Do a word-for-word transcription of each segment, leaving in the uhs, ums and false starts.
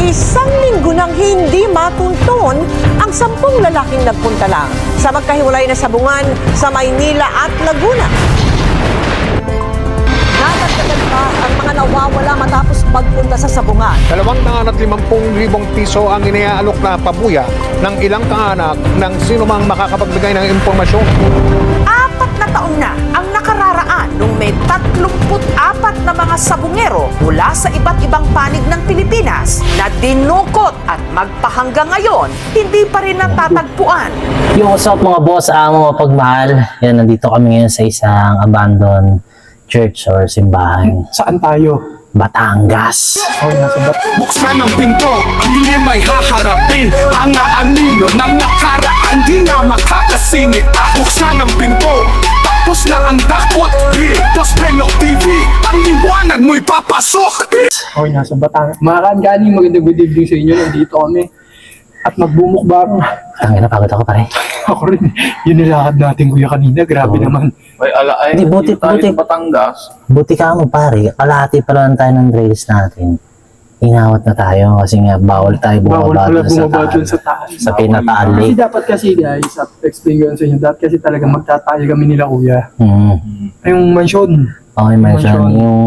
Isang linggo nang hindi matunton ang sampung lalaking nagpunta lang sa magkahiwalay na sabungan sa Maynila at Laguna. Nadagdagan pa ang mga nawawala matapos magpunta sa sabungan. Dalawang daan at limampung libong piso ang iniaalok na pabuya ng ilang kaanak ng sino mang makakapagbigay ng impormasyon. Apat na taon na ang nakararaan nung may tatlumput apat na mga sabungero mula sa iba't ibang panig ng Pilipinas na dinukot at magpahanggang ngayon, hindi pa rin natatagpuan. Yung usap mga boss, amo, pagmahal, yan, nandito kami ngayon sa isang abandoned church or simbahan. Saan tayo? Batangas. Oh, nasa Bat- Buksan ang pinto, hindi may haharapin ang aanino ng nakaraan, di na makakasingit. Buksan ang pinto, tapos na ang dakwat. Dito sa Penok T V, ang liwanag mo'y papasok. oh, nasa Batangas. Mga kaanggaling, magandang good evening sa inyo. Nandito kami. At magbumukbang. Tangina, pagod ako pare. Ako rin. Yun nilakad natin kuya kanina. Grabe Oo. naman. May alaay, Hindi, buti- dito tayo buti. sa Batangas. Buti ka mo pare, kalahati pa lang tayo ng trails natin. Inawat na tayo kasi nga bawal tayo Bawal bumaba pala dun sa bumaba taal. dun sa taas. Sa pinataal Kasi lake. dapat kasi guys, at explain ko yun sa inyo, dapat kasi talaga magtatayo kami nila kuya. Hmm. Yung mansion. Okay, mansion. Mansion. Yung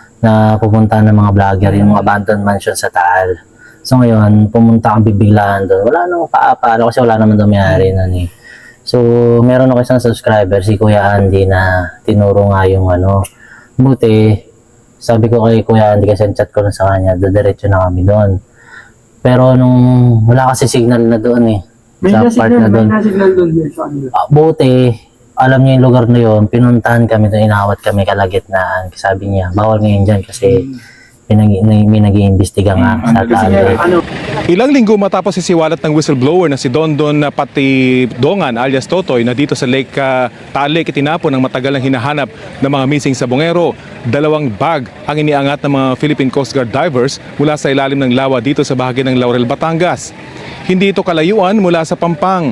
na pupunta ng mga vlogger, yung abandoned mansion sa Taal. So ngayon, pumunta kang bibiglaan doon. Wala nang paapalo kasi wala naman dumayari nun eh. So, meron ako isang subscriber, si Kuya Andy, na tinuro nga yung ano. Buti, sabi ko kay Kuya Andy kasi chat ko na sa kanya, dadiretso na kami doon. Pero nung wala kasi signal na doon eh. May sa part na-signal, na may doon. na-signal doon guys sa kanila. Ah, buti, alam niya yung lugar na yun, pinuntahan kami doon, inawat kami kalagitnaan. Sabi niya, bawal ngayon dyan kasi pinag may nag-iimbestiga nga sa Kasi Taal nga, Lake. ano, Ilang linggo matapos sisiwalat ng whistleblower na si Dondon na pati Dongan alias Totoy na dito sa Lake uh, Taal Lake itinapon ng matagal ng hinahanap ng mga missing sabungero. Dalawang bag ang iniangat ng mga Philippine Coast Guard divers mula sa ilalim ng lawa dito sa bahagi ng Laurel, Batangas. Hindi ito kalayuan mula sa Pampang.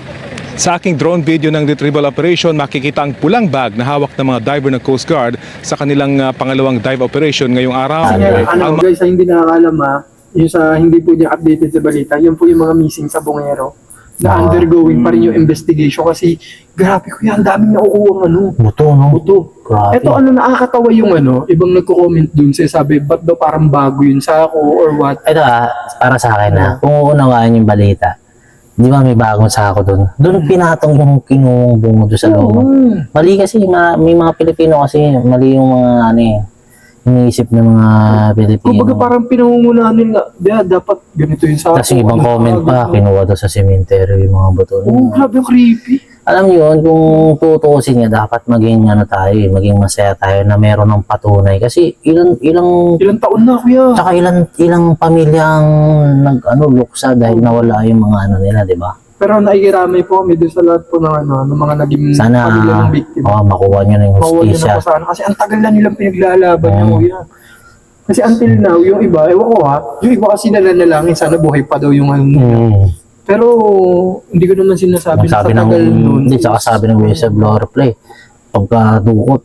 Sa aking drone video ng retrieval operation, makikita ang pulang bag na hawak ng mga diver ng Coast Guard sa kanilang uh, pangalawang dive operation ngayong araw. Kasi nga, ano Ang guys, sa hindi nakakalam ha, yung sa hindi po niya updated sa balita, yun po yung mga missing sa bungero na Ah. undergoing pa rin yung investigation kasi grabe ko yan, daming nakukuha ano, Buto, no? buto. Grabe. Ito ano, nakakatawa yung ano, ibang nagko-comment dun sa sabi, ba't daw parang bago yun sa ako or what? Ito ah, para sa akin ah, kung uunawaan yung balita, di ba may bagong sako doon? Doon pinatong yung kinuwang bungo doon sa loob. Oo. Mali kasi, ma may mga Pilipino kasi, mali yung mga ano eh, iniisip ng mga Pilipino. Kumbaga parang pinangungunahan nila, yeah, dapat ganito yung sa Tapos yung ibang ano, comment pa, ganito. kinuha daw sa cemetery yung mga buto. Oo, grabe yung creepy. Alam niyo yun, kung tutuusin niya, dapat maging ano tayo, eh, maging masaya tayo na meron ng patunay. Kasi ilang, ilang, Ilang taon na kuya. tsaka ilang, ilang pamilyang nag, ano, luksa dahil nawala yung mga ano nila, di ba? Pero naikiramay po kami dun sa lahat po ng ano, ng mga naging Sana, pamilya ng biktima. oh, makuha niyo na yung Makuha niyo hustisya. na po sana. Kasi ang tagal na nilang pinaglalaban niya Mm. kuya. Kasi until now, yung iba, ewan ko ha, yung iba kasi nalanalangin, sana buhay pa daw yung ano. Hmm. Pero, hindi ko naman sinasabi Ang sabi na ng, katagal nun. hindi, tsaka sabi ng whistleblower play, pagkadukot,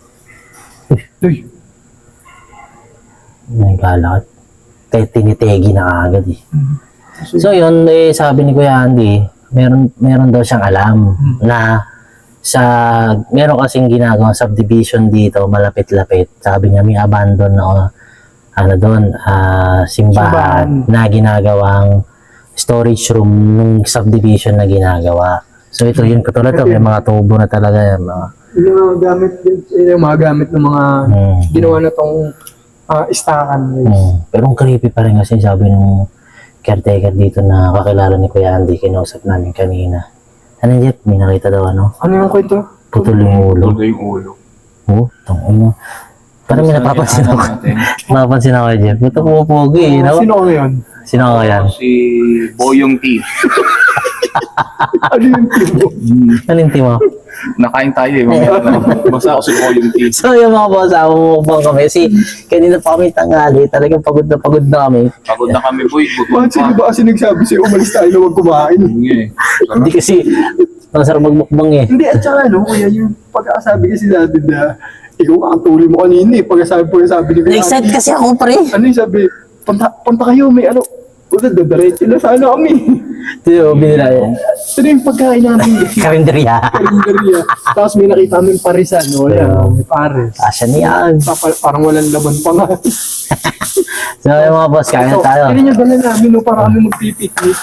Uy, may galakad. Kaya tinitegi na agad eh. so, So yun, eh, sabi ni Kuya Andy, meron, meron daw siyang alam Hmm. na sa, meron kasing ginagawang subdivision dito, malapit-lapit. Sabi niya, may abandon na, ano doon, ah, simbahan, Simbahan. na ginagawang storage room nung subdivision na ginagawa. So ito yun, katulad to, may mga tubo na talaga yan. Mga, yung mga gamit, yung mga gamit ng mga hmm. ginawa na tong ah, istakan. Guys. Hmm. Pero ang creepy pa rin kasi sabi nung caretaker dito na kakilala ni Kuya Andy, kinausap namin kanina. Ano Jeff, may nakita daw ano? Ano yung kwento? Putol yung ulo. Tuloy yung ulo. Oh, tangin mo. Parang may napapansin ako. Napapansin ako, Jeff. Ito pupugi eh. No? Sino ko ngayon? Sino ka yan? Si Boyong T. Ano yung tipo? Nalinti mo? Nakain tayo eh. Mamaya na. Basta ako si Boyong T. So yung mga boss, ako mukbang kami. Kasi kanina pa kami tangali. Talagang pagod na pagod na kami. Pagod na kami, boy. Bakit sino ba kasi nagsabi sa'yo, umalis tayo na huwag kumain? Hindi. Hindi kasi masarap magmukbang eh. Hindi, at saka ano, kuya, yung pagkakasabi kasi natin na ikaw kakatuloy mo kanina eh. Pagkasabi po yung sabi ni Kuya. Na-excite kasi ako pre. Ano yung sabi? punta, punta kayo, may ano. Puta, dadaretso na sana kami. Ito yung binila yun. Ito na yung pagkain namin. Karinderya. Karinderya. Tapos may nakita kami parisan, no? Yan, may pares. Asya niyan. Pa- parang walang laban pa nga. So yung mga boss, kain na tayo. Kaya niya dala namin, no? Para kami magpipiknik.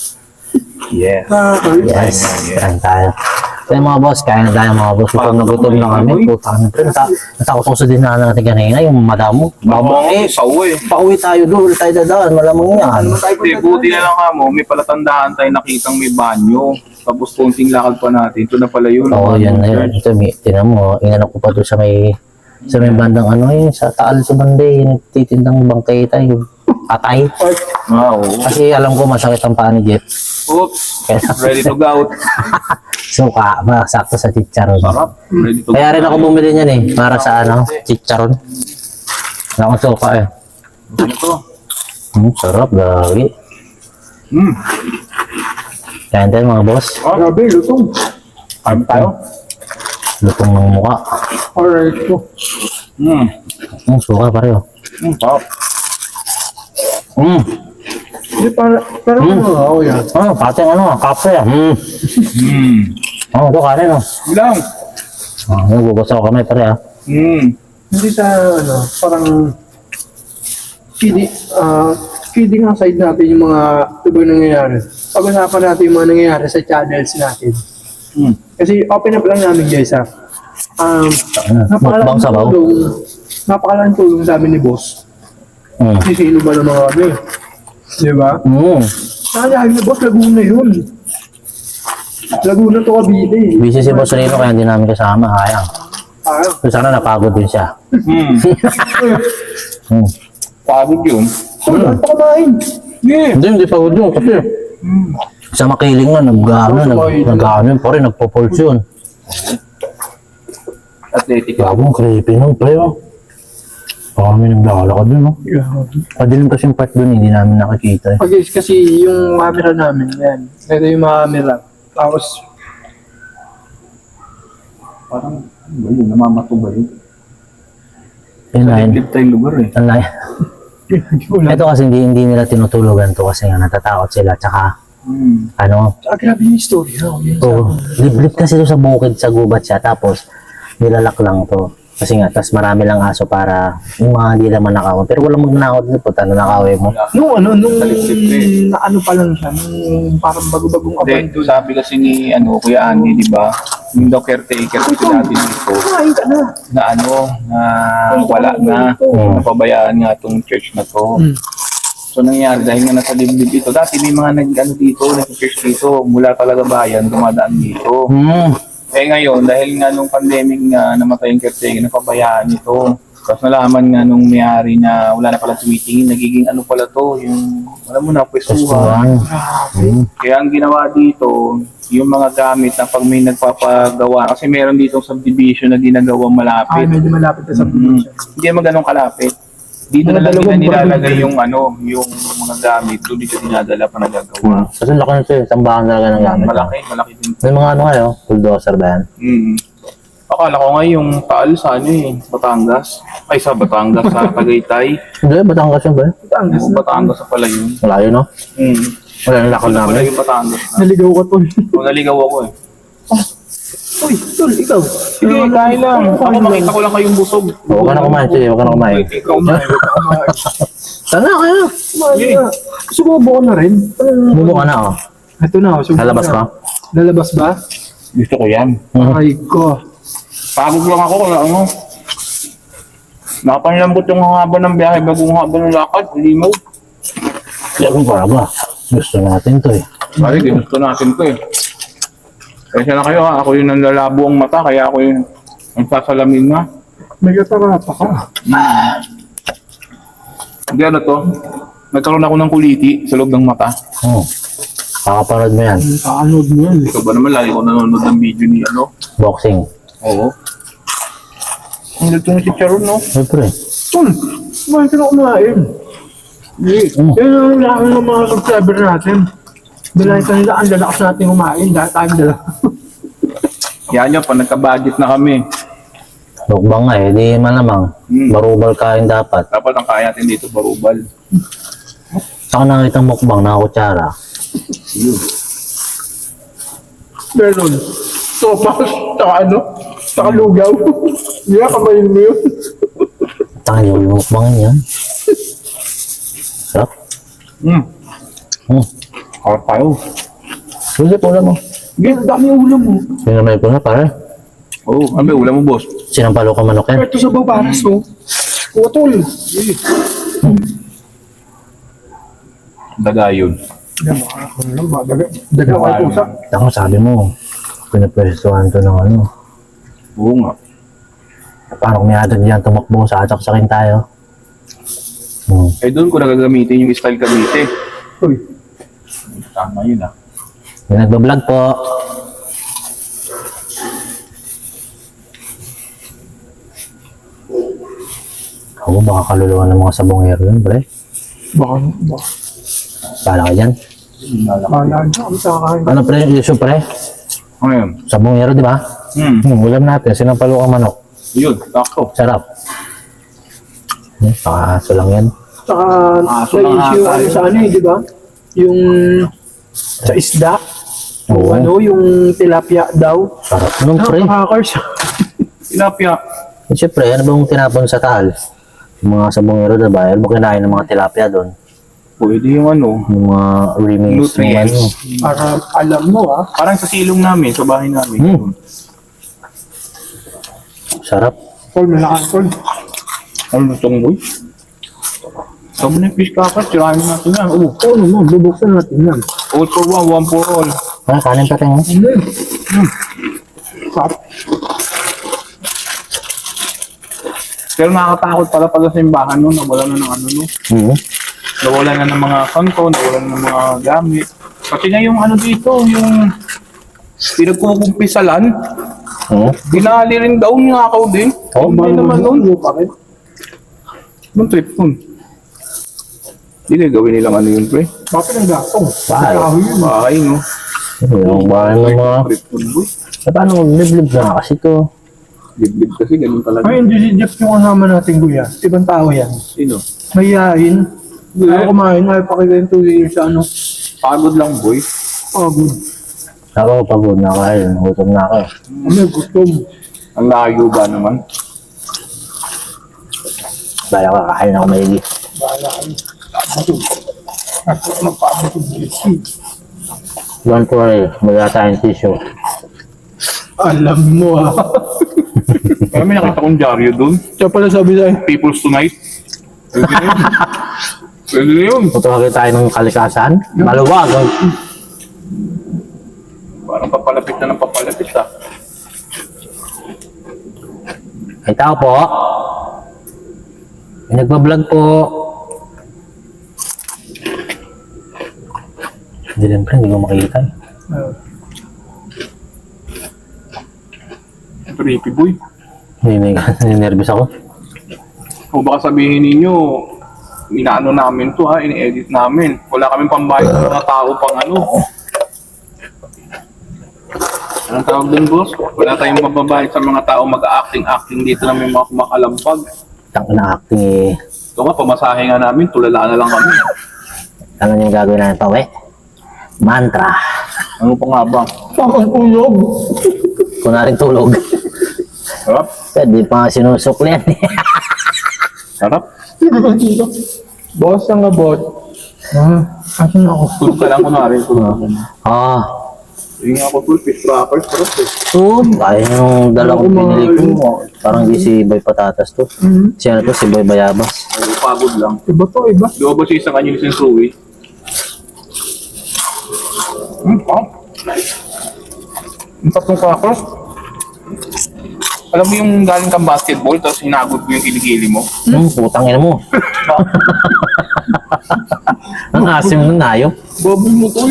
Yes. Ah, Yes, kain tayo. So yung mga boss, kain na tayo mga boss. Gutom na gutom na kami. Puta na pre. Natakusok din na natin kanina yung madam mo. Baba eh, sa uwi. Pauwi tayo doon, tayo dadaan. Malamang yan. Hindi, buti na lang ka mo. May palatandaan tayo nakitang may banyo. Tapos konting lakad pa natin. Ito na pala yun. Oo, yan na yun. Ito, may- tinan mo, inanap ko pa doon sa may sa may bandang ano yun, sa Taal sa Banday, yung titindang bangkay tayo, atay. Ah, oo. Kasi alam ko masakit ang paa ni Jeff. Oops. Kaya Ready to go. suka, masakto sa chicharon. Sarap. Ready to go. Kaya rin ako bumili niyan eh, para sa ano, chicharon. Wala akong suka eh. Ano to? Hmm, sarap, gagi. Hmm. Kaya tayo mga boss, Grabe, lutong. Ano tayo? lutong ng mukha. Alright po. Hmm. Hmm, suka pareho. Hmm, sarap. Hmm, Hindi, para, para Hmm. ano, ako yan. ah, pati ang ano, kape ah. Hmm. Hmm. Oh, ito kanin oh. Ilang? Ah, nagugas ako kamay pare ah. Hmm. Hindi sa, ano, parang, kidding, ah, kidding aside natin yung mga ibang nangyayari. Pag-usapan natin yung mga nangyayari sa channels natin. Hmm. Kasi open up lang namin guys ha. Um, Mukbang napakalaking sabaw. tulong, napakalaking tulong sa amin ni boss. Hmm. Kasi sino ba naman kami? Di ba? Hmm. Kaya ni boss, Laguna yun. Laguna to Cavite. eh. Busy si Boss Rino kaya hindi namin kasama, kaya. Ah, So, sana napagod din siya. Hmm. Hmm. Pagod yun. wala pa kumain. Yeah. Hindi, hindi pagod yun kasi sa makiling na, nag-ano, nag- nag-ano yun, pa rin, nagpo-pulse yun. Athletic. Gagong creepy nun, pre, oh. Baka kami naglalakad dun, oh. Padilim kasi yung part dun, hindi namin nakikita, eh. Pag kasi yung camera namin, yan. Ito yung mga camera. Tapos, Parang, ano ba yun? Namamato ba yun? Yun na yun. Live tayong lugar eh. Ang layo. Ito kasi hindi, hindi nila tinutulugan to kasi nga natatakot sila, tsaka, Hmm. ano, ah, grabe yung story. No? Yun sa- oh, liblib kasi to sa bukid, sa gubat siya, tapos nilalak lang to. Kasi nga, tas marami lang aso para yung mga hindi naman nakawin. Pero walang magnanakaw dito, puta, na nakawin mo. Nung ano, nung Talisip eh. na ano pa lang siya, nung parang bago-bagong Hindi, abandon. sabi kasi ni ano, Kuya Andy, di ba? Yung daw caretaker kasi dati dito Kumain ka na. na ano, na wala na, napabayaan nga itong church na to. Hmm. So nangyari, dahil nga nasa liblib ito, dati may mga nag-ano dito, nag-church dito, mula talaga bayan, dumadaan dito. Hmm. Eh ngayon, dahil nga nung pandemic nga namatay yung caretaker, napabayaan ito. Tapos nalaman nga nung may-ari na wala na pala tumitingin, nagiging ano pala to, yung, alam mo na, pwestuhan. Pwestuhan. Kaya ang ginawa dito, yung mga gamit na pag may nagpapagawa, kasi meron dito subdivision na ginagawang Ay, malapit. medyo malapit na sa Mm. probinsya. Hindi naman ganun kalapit. Dito na Mga lang nila dalawang nilalagay barangay. yung ano, yung mga gamit, doon dito dinadala pa nagagawa. Kasi laki na ito eh, tambahan talaga ng gamit. Malaki, malaki din. May mga ano kayo, bulldozer ba yan? Mm. Akala ko nga yung Taal sa ano eh, Batangas. Ay, sa Batangas, sa Tagaytay. Hindi, Batangas yun ba? Batangas Oo, na. Batangas sa pala yun. Malayo, no? Mm. Wala nang lakad Wala pala namin. yung Batangas na. Naligaw ka to. Kung naligaw ako eh. Uy, tol, ikaw. Sige, kain lang. Ako makita ko lang kayong busog. Huwag ka na kumain, sige, huwag ka na kumain. Ikaw na. Sana kaya. Kumain ka. Sumubo ko na rin. Mumo ka na, oh. Ito na, sumubo Lalabas na. ka? Lalabas ba? Gusto ko yan. Mhm. Ay ko. Pagod lang ako kung ano. Nakapanlambot yung haba ng biyahe bago yung haba ng lakad. Limaw. Kaya kung para ba? Gusto natin to eh. Pare, ginusto natin ko eh. Kaya na kayo ha. Ako yung nanlalabo ang mata. Kaya ako yung nagsasalamin nga. May katarata ka. Hindi ano to. Nagkaroon ako ng kuliti sa loob ng mata. Hmm. Kakaparod mo yan. Kakanood mo yan. Ikaw ba naman lagi ko nanonood ng video ni ano? Boxing. Oo. Ang lito ng chicharon no? Siyempre. Tol, kumain ka na kumain. Hindi. Mm. Yan ang lakas ng mga subscriber natin. Dalahin ka nila, ang lalakas natin kumain. Dahil tayo dala. Yan yun, pag nagka-budget na kami. Mukbang nga eh, di malamang. Hmm. Barubal kain dapat. Dapat ang kaya natin dito, barubal. Saka nakita mukbang, nakakutsara. Yun. Meron. Sopas, saka ano, saka lugaw. Hindi yeah, kamayin mo yun. Tangin yung mukbangin yan. Sarap. Hmm. Hmm. Harap tayo. Sige, ulam mo. Ganyan, dami yung ulam mo. Sinamay ko na pare. Oo, oh, ano ba, ulam mo, boss? Sinampalo ka manok yan. Ito sa babaras, oh. Utol. Daga yun. Yan, makakakulo lang ba? Daga, daga kayo pusa. Ako sabi mo, pinapwestuhan to ng ano. Oo nga. Paano kung may adag diyan tumakbo, sasaksakin tayo. Hmm. Eh doon ko nagagamitin yung style Cavite. Uy, Tama yun ah. May nagbablog po. Ako, baka kaluluwa ng mga sabongero yun, pre. baka, baka. Pala ka dyan. Bahala na kami sa kakain. Ano pre, issue pre? Ano yun? Sabongero, di ba? Hmm. Hmm, ulam natin, sinampalo ka manok. Yun, takto. Sarap. Hmm, pakaaso lang yan. Saka, Aso may lang issue ata ano yun. sa ano eh, di ba? Yung sa isda. Yung Oo. ano, yung tilapia daw. Sarap nun, pre. Nakakakars. Tilapia. Eh, siyempre, ano bang tinapon sa tahal? Yung mga sabongero, diba? Ano ba kinain ng mga tilapia doon? Pwede yung ano. Yung mga remains ng ano. Nutrients. Para alam mo ah. Parang sa silong namin, sa bahay namin. Hmm. Sarap. Paul, malakas Paul. Ano lutong boy? Sabi na yung fish crackers, tirahin natin yan. Oo. Oo naman, bubuksan natin yan. All for one, one for all. Ano, kanin pa tayo. Hmm. Sarap. Pero nakakatakot pala pala sa simbahan nun, nawala na ng ano no. Hmm. Nawala na ng mga kanto, nawala na ng mga gamit. Kasi nga yung ano dito, yung pinagkukumpisalan, Hmm. binali rin daw nga ako din. Oh, Hindi naman nun. pa rin. Nung trip nun. Hindi kayo gawin nilang ano yun, pre. Bakit ang gatong? Bahay. Kahoy yun. Bahay, no? Yung bahay ng mga... Trip nun, boy. Eh, paano liblib na kasi to? Liblib kasi, ganun talaga. Ay, hindi si Jeff yung kasama natin, kuya. Ibang tao yan. Sino? Mayayain. Ayaw kumain, ayaw pakikain tuloy sa ano. Pagod lang, boy. Pagod. Ako, pagod na kayo. Gutom na ako. Ano, gutom. Ang layo ba naman? Bala ka, kakain ako maigi. Bahala kayo. Gutom. Ako magpaabot yung bulitin. Don't worry, wala tayong tissue. Alam mo ah. Kaya may nakita kong dyaryo dun. Siya pala sabi sa'yo. People's Tonight. Pwede na yun. Pwede na yun. Tutulagay tayo ng kalikasan. Maluwag. oh. Parang papalapit na ng papalapit ah. Ay, tao po. May nagbablog po. Hindi lang pre, hindi ko makikita. eh. Creepy boy. Hindi, nervous ako. O baka sabihin ninyo, inaano namin to ha, ini-edit namin. Wala kaming pambayad sa mga tao pang ano. Anong tawag dun, boss? Wala tayong mababayad sa mga tao mag-acting-acting dito na may mga kumakalampag. Tang na acting eh. Ito nga, pamasahe nga namin, tulala na lang kami. Ano yung gagawin natin pa, we? Mantra. Ano pa nga ba? Pakang ulog. Kunaring tulog. Sarap? Pwede pa nga sinusukli yan eh. Sarap? Boss ang abot. Ah, asan ako? Tulog ka lang kunwari. Tulog ka lang. Ah. Hindi nga ako full fish crackers, sarap eh. So, ayun yung dalawang pinili ko. Parang di si Boy Patatas to. Mhm. Siya na to, si Boy Bayabas. Oo, pagod lang. Iba to, iba. Di ba ba siya isang kanya ni Sensuwi? Hmm, oh. Yung tatlong crackers. Alam mo yung galing kang basketball, tapos hinagod mo yung kiligili mo? Hmm, putang ina mo. Ang asim ng hayop. Baboy mo tol.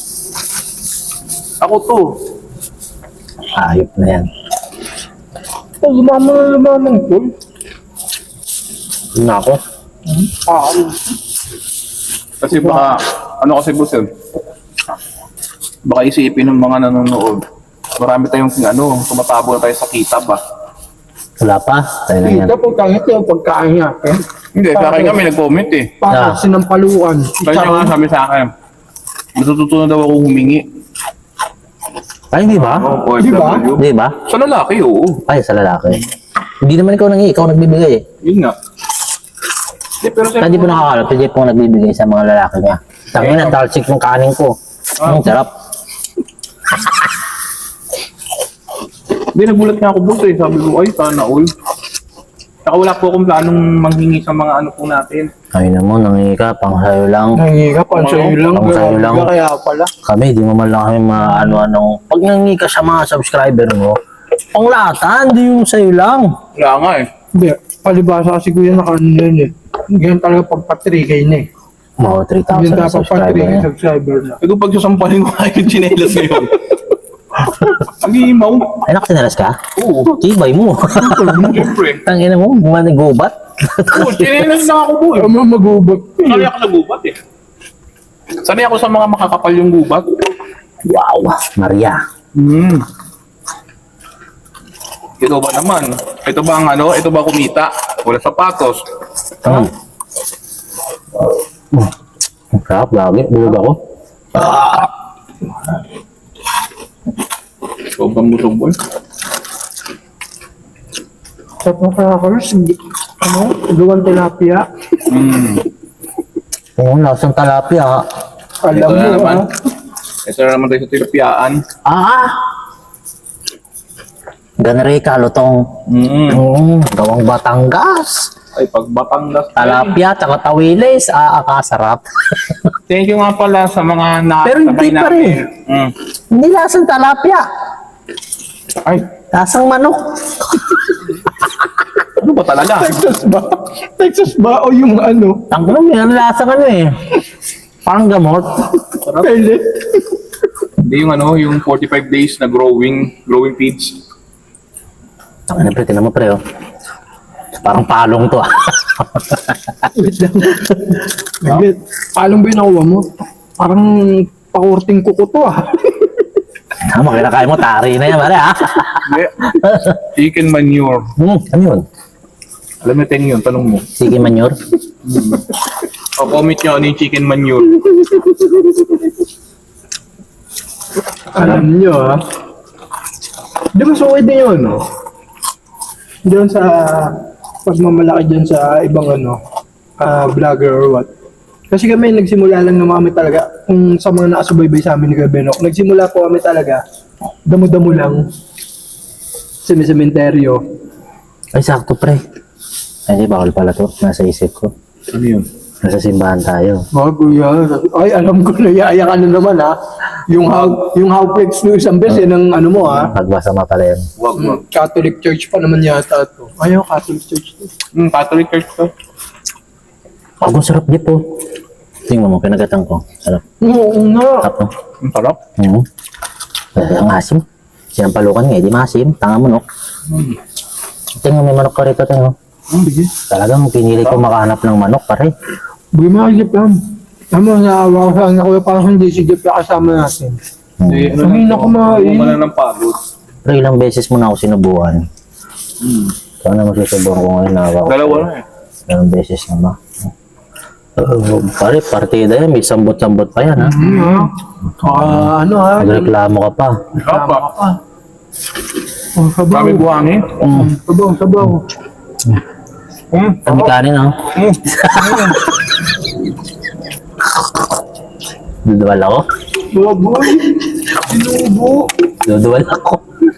Ako to. Hayop na yan. Oh, lumama na lumamang tol. Yun na ako. Ah, Kasi baka, ano kasi boss yun? Baka isipin ng mga nanonood. Marami tayong ano, tumatabo na tayo sa kita ba? Wala pa. Tayo na yan. Dito, pagkangit yung pagkain natin. Hindi, sa akin nga may nag-comment eh. Para Ah. sinampaluan. Kanya nga sabi sa akin, matututo na daw ako humingi. Ay, di ba? Oo, Di ba? O F W. Di ba? Sa lalaki, oo. Ay, sa lalaki. Hindi naman ikaw nangi, ikaw nagbibigay eh. Yun nga. Hindi, pero Kaya di po nakakalap, hindi po nagbibigay sa mga lalaki niya. Tangin na, talsik yung kanin ko. Ang sarap. Hindi, nagulat nga ako boss eh. Sabi ko, ay, sana all. Saka wala po akong planong manghingi sa mga ano po natin. Ay naman, nangi ka, pang sayo lang. Nangi ka, pansayo lang. Pang sayo lang. Kaya pala. Kami, di mo man lang kami maano-anong... Pag nangi ka sa mga subscriber mo, pang latan, di yung sayo lang. Wala nga eh. Hindi, palibasa kasi kuya na kanin yun eh. Ganyan talaga pagpa-three K na eh. Mga three Ganyan thousand na dapat subscriber pa-three K niya. subscriber na. Ito pag sasampalin ko kayo yung chinelas ngayon. Pag-iimaw. Ay, nakasinalas ka? Oo. Tibay mo. Siyempre. Tangina mo, manigubat. Oo, chinelas na ako boy. Ano magubat? Sanay ako sa gubat eh. Sanay ako sa mga makakapal yung gubat. Wow, Maria. Hmm. Ito ba naman? Ito ba ang ano? Ito ba kumita? Wala sapatos. Mm. Mm. Ang sarap, lagi. Bulog ako. Sobrang busog boy. Sa mga crackers, ano, gawang tilapia. Hmm. Oo, lasang talapia. ha? Alam Ito mo, na naman. ah. Ito na naman tayo sa tilapiyaan. Ah! Ganre kalutong. Mm. Mm, gawang Batangas. Ay, pag Batangas. Talapia, tsaka tawilis. Ah, akasarap. Thank you nga pala sa mga Pero hindi nakasabay pa rin. Mm. Hindi lasang talapia. Ay, Lasang manok. ano ba talaga? Texas ba? Texas ba? O yung ano? Tanggalong yan, lasang ano eh. Parang gamot. Pellet? Hindi yung ano, yung forty-five days na growing, growing feeds. Ano pre, tinan mo pre oh. Parang palong to ah. Wait lang. Wait, palong ba yung nakuha mo? Parang pakurting kuko to ah. Tama, kinakain mo, tari na yan pare ah. Hindi. Chicken manure. Hmm, ano yun? Alam mo, Teng yun, tanong mo. Sige manure. O, comment nyo ano yung chicken manure. Alam nyo ah. Di ba so din yun no? Diyan sa pagmamalaki dyan sa ibang ano, ah, vlogger or what. Kasi kami nagsimula lang naman kami talaga, kung sa mga nakasubaybay sa amin ni Kuya Benok, nagsimula po kami talaga, damo-damo lang, semi-sementeryo. Ay, sakto pre. Ay, di bawal pala to. Nasa isip ko. Ano yun? Nasa simbahan tayo. Oh, kuya, ay alam ko na, yaya ka na naman ha. Yung how, yung how flex no isang beses, yan ang ano mo ha. Pagbasa pa pala yan. Wag, wag. Catholic Church pa naman yata to. Ayaw, Catholic Church to. Hmm, Catholic Church to. Ang sarap di po. Tingnan mo, pinagatan ko. Sarap. Oo nga. Sarap no? Ang sarap. Hmm. Ay, ang asim. Sinampalukan nga, eh, di maasim. Tanga manok. Tingnan, may manok ka rito, tingnan. Ang bigay. Talagang pinili ko makahanap ng manok, pare. Bigay mo kasi plan. Tama, naawa ko sa anak ko, parang hindi si Jeff na kasama natin. Hindi, ano Sabihin lang ako to, kumain. Wala ng pagod. Pero ilang beses mo na ako sinubukan. Hmm. Sana masusubukan ko ngayon na ako. Dalawa na eh. Ilang beses na ba? Uh, pare, partida yan. May sambot-sambot pa yan, ha? Hmm, ha? Ah, ano ha? Nagreklamo ka pa. Sarap pa. Oh, sabaw. Kami buhangin. Mm. Sabaw, sabaw. Hmm. Kami kanin, ha? Hmm. Duduwal ako. Baboy. Sinubo. Duduwal ako.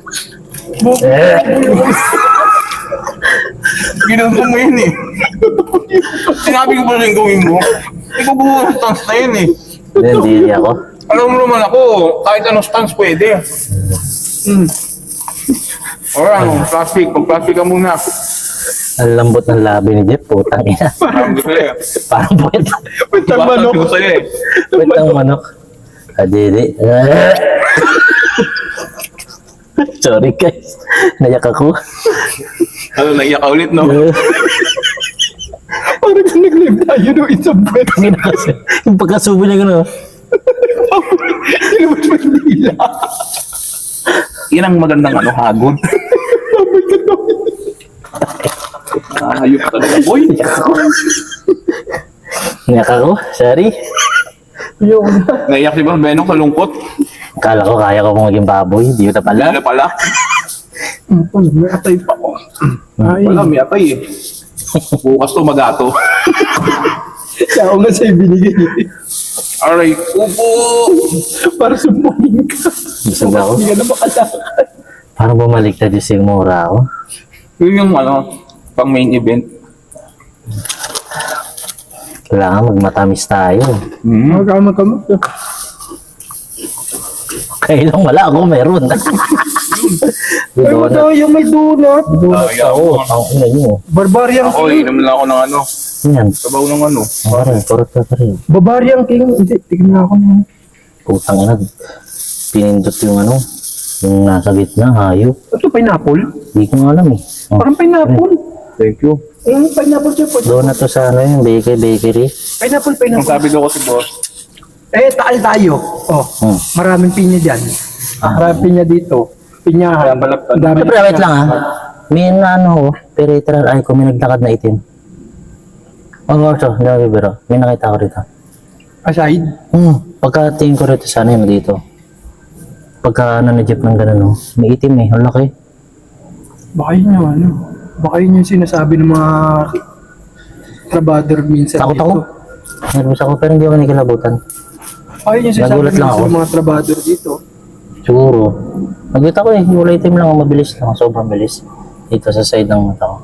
Ginagawa mo yun eh. Sinabi ko pa rin gawin mo. Ikaw buo ng stance na yun eh. Hindi, hindi ako. Alam mo naman ako, kahit anong stance pwede. Hmm. Or ano, plastic. Pag plastic ka muna. Ang lambot ng labi ni Jeff, putang ina. Parang gusto eh. Parang puwet. Pintang manok. Gusto eh. Puwet ng manok. Adidi. Sorry guys. Nayak ako. Ano, naiyak ka ulit no? Parang kung nag-live tayo no, isang buwan. Ang kasi, yung pagkasubo niya gano'n. Ilabas mo yung dila. Yan ang magandang ano, hagod. Ayok talaga, boy. Iyak ako, sorry. Yung, Naiyak si Boss Benong sa lungkot. Kala ko kaya ko maging baboy, di ko na pala. Wala pala. Tol, may atay pa ko. Ay, Wala, may atay eh. Bukas to magato. kaya ako nga sa'yo binigay. Alright, upo! Para sumbongin ka. Busog ako. Hindi ka na makalakad. Parang bumaliktad yung sigmura ako. Yun yung ano, pang main event. Kailangan magmatamis tayo. Hmm. Magkamag-kamag ka. Kailang wala ako, meron. Ay, Donut. mata, yung may donut. Donut Ayaw ako. mo. Ang ina nyo. Barbarian Ako, King. inom lang ako ng ano, Yan. sabaw ng ano. Parang, kurot ka pa rin. Barbarian King. Hindi, tignan ako na. Putang ina. Pinindot yung ano, yung nasa gitna, hayop. Ito, pineapple. Di ko nga alam eh. Oh, Parang pineapple. Thank you. Yung pineapple siya po. donut to sa ano yung bakery, bakery. Pineapple, Ang pineapple. sabi daw kasi boss, Eh, taal tayo. Oh, Hmm. maraming pinya dyan. Ah. Maraming pinya dito. Pinyahan. Balap- Ang dami. Siyempre, wait lang ah. May na ano ko, peripheral eye ko, may naglakad na itim. Oh, Gorso, hindi ako bibiro. May nakita ko rito. Aside. Hmm, pagka-tingin ko rito sana yun dito. Pagka ano na jeep ng gano'n, no? May itim eh, ang laki. Baka yun yung ano. Baka yun yung sinasabi ng mga trabador minsan Takot dito. ako. Nervous ako, pero hindi ako nakilabutan. Baka yun yung sinasabi Nagulat lang minsan ako. ng mga trabador dito. Siguro. Nagwit ako eh, wala itim lang, mabilis lang, sobrang bilis. Dito sa side ng mata ko.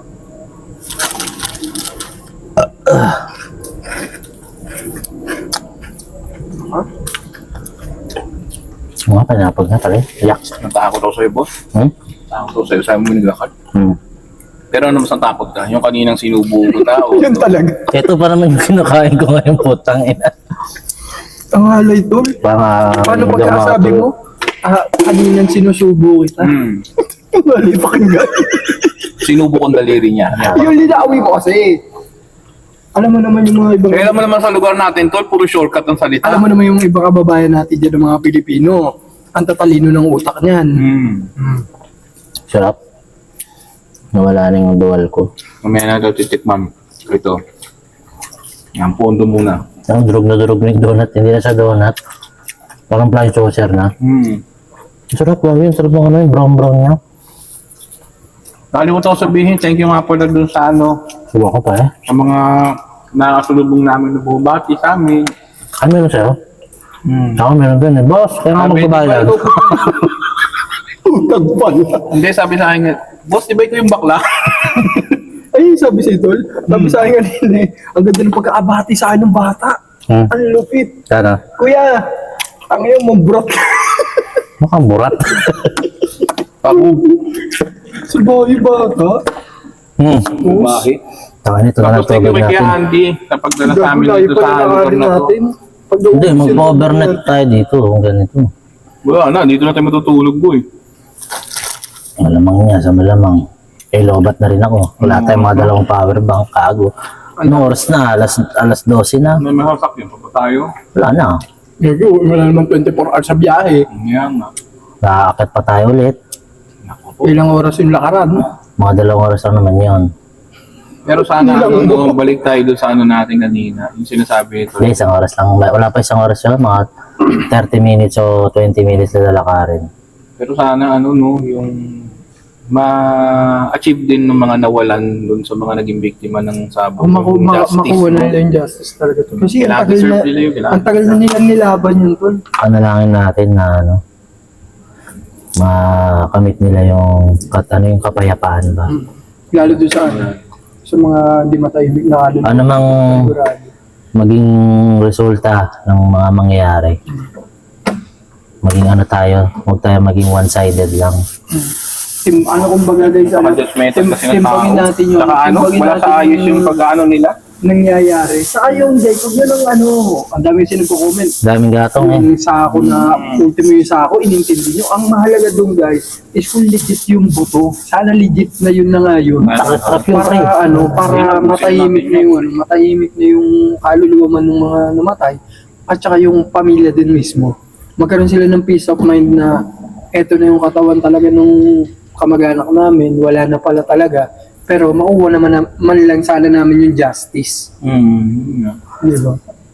Mga panapag na pala eh. Yak. natakot ako sa'yo boss. Hmm? Natakot ako sa'yo, sabi mo naglakad. Hmm. Pero ano mas natakot ka? Yung kaninang sinubo ko tao. Yun talaga. Ito pa naman yung kinakain ko ngayon, putang ina. Ang halay tol. Para Paano hindi ako pagkasabi makatulog. mo? Ah, kaninang sinusubo kita. Hmm. Ang halay pakinggan. Sinubo kong daliri niya. Yung linaawi ko kasi. Alam mo naman yung mga ibang... Kaya alam mo naman sa lugar natin, tol, puro shortcut ang salita. Alam mo naman yung ibang kababayan natin dyan ng mga Pilipino. Ang tatalino ng utak niyan. Hmm. Hmm. Sarap. Nawala na yung dual ko. Mamaya na daw titikman. Ito. Yan, pondo muna. Ang durog na durog na yung donut. Hindi na sa donut. Parang flying saucer na. Hmm. Sarap lang yun. Sarap ng ano yung brown brown niya. Nakalimutan ko sabihin, thank you nga po na dun sa ano, Suwa ko pa eh. sa mga nakasulubong namin na bumabati sa amin. Ano meron sa'yo? Hmm. Ako meron dun eh. Boss, kaya nga magbabayad. Utag pala. Hindi, sabi sa akin, boss, di ba ito yung bakla? Ay, sabi si Tol. Sabi sa akin kanina eh. Ang ganda ng pagkaabati sa akin ng bata. Hmm. Ang lupit. Sana. Kuya, ang iyong mambrot. Mukhang burat. Ako, Sa bahay bata. Hmm. bakit? Taka nito na Tapos thank you tubig kay natin. Andy, kapag dala sa amin Layo dito pa sa na lugar na to. natin. Pag Hindi, mag-overnight tayo dito. Kung ganito. Wala na, dito na tayo matutulog, boy. Malamang niya sa malamang. Eh, lobat na rin ako. Wala tayong mga dalawang power bank. Kago. Ano oras na? Alas, alas dose na. May mga sakyan pa pa tayo. Wala na. Gago, wala naman twenty-four hours sa biyahe. Yan nga. Nakakit pa tayo ulit. Ilang oras yung lakaran. Mga dalawang oras lang naman yun. Pero sana, ano, no, balik tayo doon sa ano natin kanina. Yung sinasabi ito. Hindi, isang oras lang. Wala pa isang oras yun. Mga thirty minutes o twenty minutes na lalakarin. Pero sana, ano, no, yung ma-achieve din ng mga nawalan doon sa mga naging biktima ng sabog. Kung maku Yung ma justice, makuha na no? nila yung justice talaga to. Kasi ang Kailangan tagal na, deserve nila yun, kailangan. ang tagal na nila nilaban yun, Tol. Panalangin natin na ano, makamit nila yung kat, ano yung kapayapaan ba. Lalo doon sa ano, sa mga di matahimik na kaluluwa. Ano mang Sigurado. maging resulta ng mga mangyayari. Maging ano tayo, huwag tayo maging one-sided lang. Tim, ano kumbaga guys, ano, Judgmental tim, kasi ng tao. timbangin natin yung, Saka ano, timbangin wala natin sa ayos yung yung pag-ano nila. nangyayari. Saka yung Jacob yun ang ano, ang dami sinagko-comment. Daming gatong eh. Yung sako na, ultimo yung sako, inintindi nyo. Ang mahalaga doon guys, is kung legit yung buto. Sana legit na yun na nga yun. Takot yung pre. Para ano, para matahimik na yung ano, matahimik na yung kaluluwa man ng mga namatay at saka yung pamilya din mismo. Magkaroon sila ng peace of mind na eto na yung katawan talaga nung kamag-anak namin, wala na pala talaga. Pero makuha naman na, man lang sana namin yung justice. Hmm. Di ba?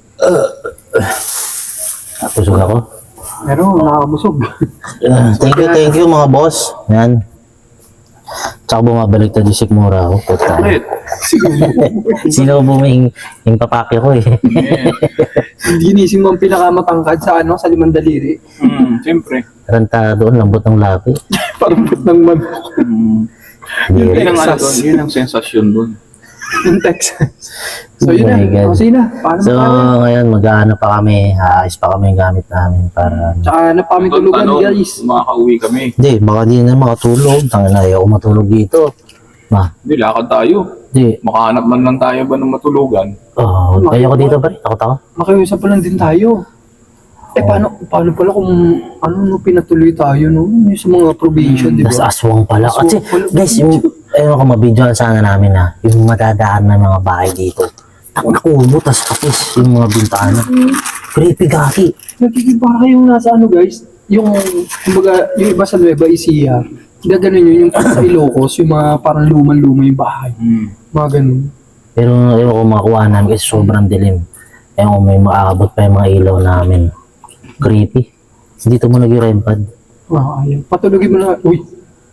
Pusog ako. Pero nakakabusog. Uh, thank you, thank you mga boss. Yan. Tsaka bumabalik na di Sikmura ako. Puta. Ulit. Sino buming yung papake ko eh. Ginising mo ang pinakamatangkad sa ano, sa limang daliri. Hmm, siyempre. Ranta doon, lambot ng lapi. Parang put ng man. Hmm. Yeah. Yun ang ano Texas. doon, yun ang sensasyon doon. Yung Texas. So Oh yun my na. God. O sige na. Paano So ba tayo? ngayon mag-ano pa kami, aayos pa kami yung gamit namin para Tsaka na pa kami tulugan Ano, guys. makakauwi kami. hindi, baka di na makatulog. Tangina, ayaw ko matulog dito. Ma, Hindi, lakad tayo. di. Makahanap man lang tayo ba ng matulugan? Oh, ayaw ko dito ba? Takot ako. Makiusap pa lang din tayo. Eh paano, paano pala kung ano no, pinatuloy tayo no? Yung sa mga probation, di Nasa ba? aswang pala. Kasi, Aswang pala. guys, yung, ayun ko, mabidyoan sana namin na, yung madadaan ng mga bahay dito. Ang nakubo, tas kapis yung mga bintana. Creepy gaki. Nagiging para kayong nasa ano guys, yung, kumbaga, yung iba sa Nueva Ecija, gaganon yun, yung parang sa Ilocos, yung mga parang luman-luma yung bahay. Hmm. Mga ganun. Pero ayun ko makuha namin kasi sobrang dilim. Ayun ko, may maabot pa yung mga ilaw namin. Creepy. Dito mo nag-rem pad. Ah, ayun. Patulogin mo na, uy.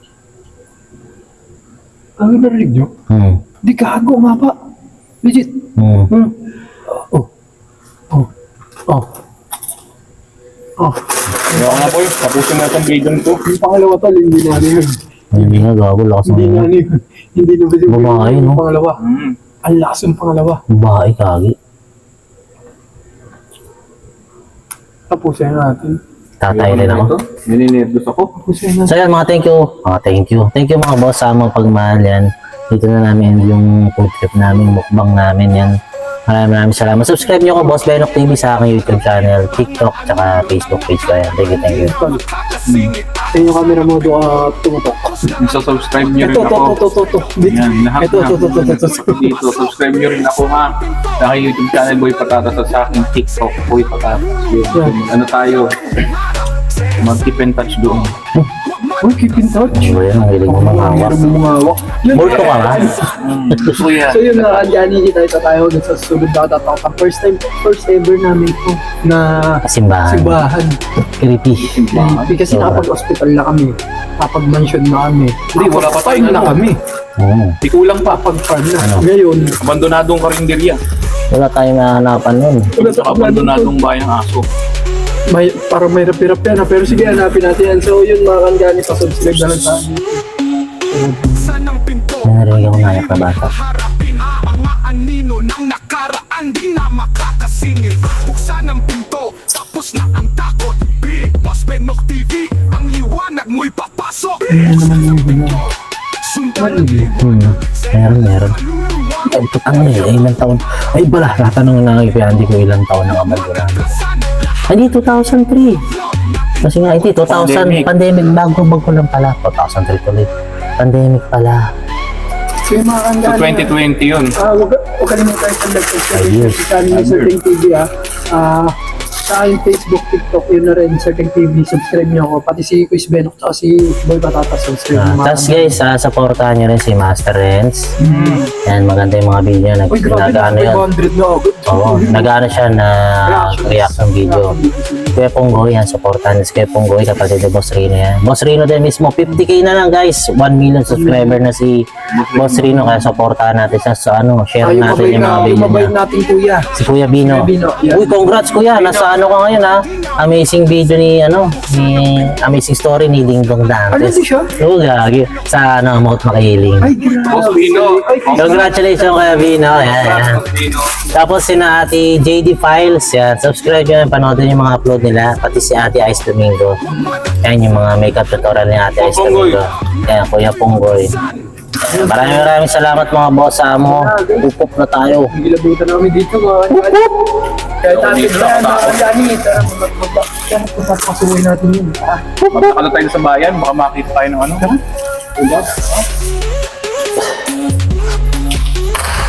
Ano narinig nyo? Hmm. Di gago nga pa. Legit. Hmm. Hmm. Oh. Oh. Oh. Oh. Kaya nga boy, tapusin na itong video nito. Yung pangalawa tol, hindi na ano yun. Hindi nga gago, lakas Hindi ng na ano yun. Hindi na ba Babae, no? yung pangalawa. Hmm. Ang lakas yung pangalawa. bahay kagi. Tapusin natin. Tatay rin ako. Nininervous ako. Tapusin natin. So yan mga thank you. Mga thank you. Thank you mga boss sa mga pagmahal yan. Dito na namin yung food trip namin, mukbang namin yan. Maraming maraming salamat. Subscribe nyo ko Boss Benok T V sa aking YouTube channel, TikTok, tsaka Facebook page ko yan. Thank you, thank you. Tol. Sa yung camera mo doon ka tumutok. Isa-subscribe nyo rin Ito, ito, ako. ito, ito, ito. Yan, lahat Ito, na. ito, ito, ito, ito, ito. Dito, subscribe nyo rin ako ha. Sa aking YouTube channel, Boy Patatas, at sa aking TikTok, Boy Patatas. Yun. Ano tayo? Mag-keep in touch doon. Uy, keep in touch. Ano yan, ang hilig mo Ang mamawak. hirap mo mumawak. Yun. Multo ka nga. Hmm, gusto ko yan. So yun na, Anjani, kita ito tayo dun sa susunod na katatakang. First time, first ever namin ito na Simbahan. simbahan. Creepy. Hindi kasi nakapag-hospital na kami. Nakapag-mansion na kami. Hindi, wala pa Farm tayong na ano. kami. Oo. Di kulang pa. Pag-farm na. Ano? Ngayon, Abandonadong karinderya. Wala tayong nahanapan nun. wala Sa abandonadong bayang aso. may, parang may hirap-hirap yan. ha. Pero sige, hanapin natin yan. So yun, mga Anjani, pa-subscribe na lang sa amin. May narinig ako nayak na bata. Harapin ang mga anino ng nakaraan, di na makakasingil. Buksan ang pinto, tapos na ang takot. Big Boss Benok T V, ang liwanag mo'y papasok. Sundan ang Hmm. Meron, meron. Ay, putang na eh. Ilang taon. Ay, bala. Natanong na kay Andy ko ilang taon ng abandonado. Hindi, two thousand three. Kasi nga, hindi, two thousand. Pandemic. Pandemic. Bago, bago lang pala. two thousand three tuloy. Pandemic pala. So yung mga So Anjani, twenty twenty yun. ah, wag, wag kalimutan yung like-subscribe Ayos. sa channel ni Certain T V ah. Ah, sa aking Facebook, TikTok, yun na rin, Certain T V, subscribe niyo ako. Pati si Quiz Benok, tsaka si Boy Patatas, subscribe Ah, niyo. Tapos guys, uh, supportahan nyo rin si Master Renz. Yan, maganda yung mga video. Nag, Uy, grabe na, nag-ano yan. five hundred na agad. Oo, nag-ano siya na reaction video. Kuya Ponggoy, yan, supportan si Kuya Ponggoy, kapatid ni Boss Rino yan. Boss Rino din mismo, fifty K na lang guys, one million subscriber na si Boss Rino, kaya supportahan natin siya sa ano, share Ah, yung natin mabay yung na, mga yung video mabay niya. nating kuya. Si Kuya Bino. Kuya Bino, yan. Uy, congrats Kuya, nasa ano ka ngayon ha? Amazing video ni ano, ni Amazing Story ni Ding Dong Ano Dantes. din siya? Oo, gagi. Sa ano, Mount Makiling. Ay, grabe. Boss Bino. Ay, Congratulations Kuya Bino. Yan, yan. Boss Bino. Tapos si na Ate J D Files, yan. Subscribe nyo, panoodin yung mga upload nila. Pati si Ate Ice Domingo. Yan yung mga makeup tutorial ni Ate Ice Ponggoy. Domingo. Yan, Kuya Ponggoy. Yan, maraming maraming salamat mga boss sa mo. Upop na tayo. Gilabutan na kami dito, mga Anjani. Kaya natin yan, mga Anjani. Tara, mag-mag-mag. Pasukin natin yun. Ah, Magkakala tayo sa bayan, baka makita tayo ng ano. Diba?